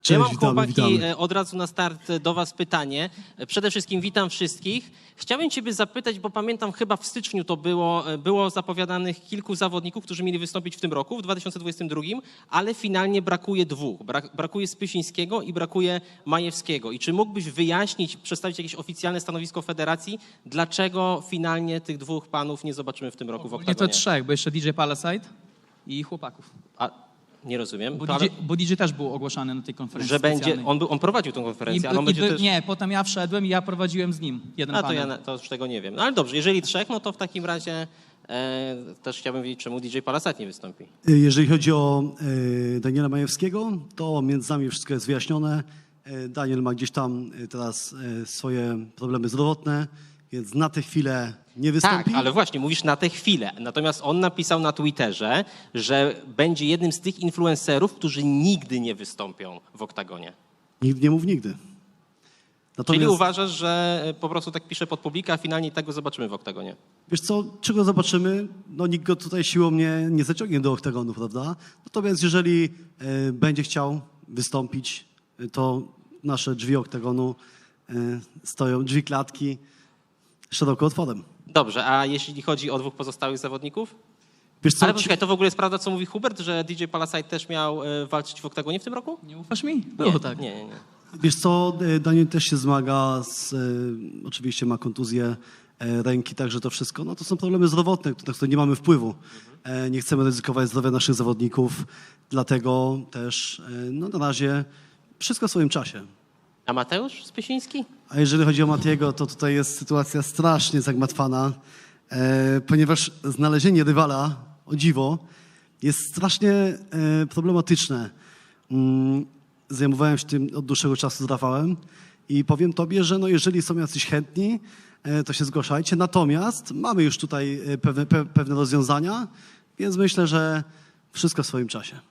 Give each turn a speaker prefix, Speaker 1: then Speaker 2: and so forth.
Speaker 1: Ja mam,
Speaker 2: witamy,
Speaker 1: chłopaki,
Speaker 2: witamy.
Speaker 1: od razu na start do was pytanie. Przede wszystkim witam wszystkich. Chciałbym ciebie zapytać, bo pamiętam, chyba w styczniu to było zapowiadanych kilku zawodników, którzy mieli wystąpić w tym roku, w 2022, ale finalnie brakuje dwóch. Brakuje Spysińskiego i brakuje Majewskiego. I czy mógłbyś wyjaśnić, przedstawić jakieś oficjalne stanowisko federacji, dlaczego finalnie tych dwóch panów nie zobaczymy w tym roku w
Speaker 3: Nie
Speaker 1: oktagonie?
Speaker 3: to trzech, bo jeszcze DJ Palasite i chłopaków.
Speaker 1: Nie rozumiem.
Speaker 3: Bo DJ też był ogłaszany na tej konferencji
Speaker 1: Że będzie,
Speaker 3: specjalnej.
Speaker 1: on prowadził tę konferencję, ale on będzie też...
Speaker 3: Nie, potem ja wszedłem i ja prowadziłem z nim jeden
Speaker 1: To
Speaker 3: panel.
Speaker 1: ja to już tego nie wiem. No ale dobrze, jeżeli trzech, no to w takim razie też chciałbym wiedzieć, czemu DJ Palasite nie wystąpi.
Speaker 2: Jeżeli chodzi o Daniela Majewskiego, to między nami wszystko jest wyjaśnione. Daniel ma gdzieś tam teraz swoje problemy zdrowotne, więc na tę chwilę nie wystąpi.
Speaker 1: Tak, ale właśnie, mówisz na tę chwilę. Natomiast on napisał na Twitterze, że będzie jednym z tych influencerów, którzy nigdy nie wystąpią w oktagonie.
Speaker 2: Nigdy nie mów nigdy.
Speaker 1: Czyli uważasz, że po prostu tak pisze pod publikę, a finalnie i tak go zobaczymy w oktagonie?
Speaker 2: Wiesz co, czego zobaczymy? No nikt go tutaj siłą nie zaciągnie do oktagonu, prawda? Natomiast jeżeli będzie chciał wystąpić, to nasze drzwi oktagonu stoją, drzwi klatki szeroko otworem.
Speaker 1: Dobrze, a jeśli chodzi o dwóch pozostałych zawodników?
Speaker 2: Wiesz co,
Speaker 1: Ale poczekaj, to w ogóle jest prawda, co mówi Hubert, że DJ Palasite też miał walczyć w oktagonie w tym roku?
Speaker 3: Nie ufasz mi? Było tak.
Speaker 1: Nie.
Speaker 2: Wiesz co, Daniel też się zmaga, oczywiście ma kontuzję ręki, także to wszystko, no to są problemy zdrowotne, na które nie mamy wpływu. Nie chcemy ryzykować zdrowia naszych zawodników, dlatego też no na razie wszystko w swoim czasie.
Speaker 1: A Mateusz Spysiński?
Speaker 2: A jeżeli chodzi o Matiego, to tutaj jest sytuacja strasznie zagmatwana, ponieważ znalezienie rywala, o dziwo, jest strasznie problematyczne. Zajmowałem się tym od dłuższego czasu z Rafałem i powiem tobie, że no jeżeli są jacyś chętni, to się zgłaszajcie. Natomiast mamy już tutaj pewne rozwiązania, więc myślę, że wszystko w swoim czasie.